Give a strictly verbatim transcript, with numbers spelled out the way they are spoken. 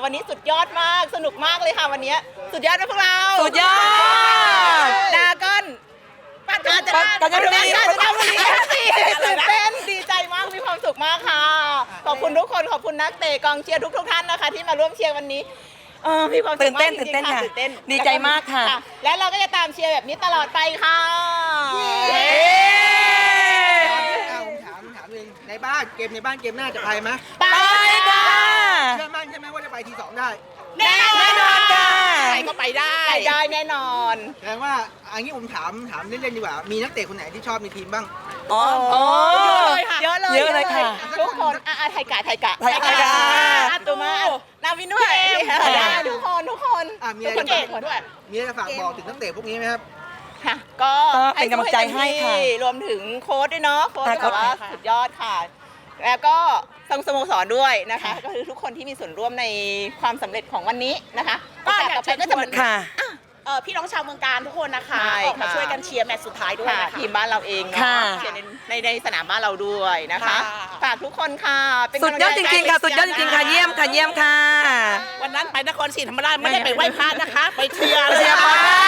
วันนี้สุดยอดมากสนุกมากเลยค่ะวันนี้สุดยอดนะพวกเราสุดยอดดาก้อนปัจจุบันปัจจุบันปัจจุบันตื่นเต้นดีใจมากมีความสุขมากค่ะขอบคุณทุกคนขอบคุณนักเตะกองเชียร์ทุกทุกท่านนะคะที่มาร่วมเชียร์วันนี้เออมีความสุขตื่นเต้นมากจตื่นริเต้นงๆค่ะค่ะตื่นเต้นดีใจมากค่ะและเราก็จะตามเชียร์แบบนี้ตลอดไปค่ะผมถามถามเองในบ้านเกมในบ้านเกมหน้าจะไปไหมไปค่ะเชื่อมั่นใช่ไหมว่าจะไปทีสองได้แน่นอนแน่นอนค่ะใครก็ไปได้ไปได้แน่นอนแสดงว่าอันนี้ผมถามถามเล่นๆดีกว่ามีนักเตะคนไหนที่ชอบในทีมบ้างอ๋อโอ้เยอะเลยเยอะเลยค่ะทุกคนอ่ะไทยกะไทยกะไทยกะอ่ตัวมานาวินด้วยได้ทุกคนทุกคนอ่ะมีทุอะกไรคนเก่งด้วยมีอะไรจะฝากบอกถึงนักเตะพวกนี้ไหมครับค่ะก็ก็เป็นกำลังใจให้ค่ะรวมถึงโค้ชด้วยเนาะโค้ชค่ะแบบว่าค่ะสุดยอดค่ะ แล้วก็ทางสโมสรด้วยนะคะ ก็คือทุกคนที่มีส่วนร่วมในความสำเร็จของวันนี้นะคะก็อยากโสเชิญต่อไปก็จะเหมือนค่ะเอ่อพี่น้องชาวเมืองการทุกคนนะคะใช่ออกมาค่ะช่วยกันเชียร์แมตช์สุดท้ายด้วยค่ะนะคะทีมบ้านเราเองเนาะค่ะเชียร์ในในในสนามบ้านเราด้วยนะคะค่ะฝากทุกคนค่ะเป็นสุดยอดจริงๆค่ะ สุดยอดจริงๆค่ะ เยี่ยมค่ะ เยี่ยมค่ะวันนั้นไปนครศรีธรรมราชไม่ได้ไปไหว้พระนะคะ ไปเชียร์เชียร์บอลค่ะ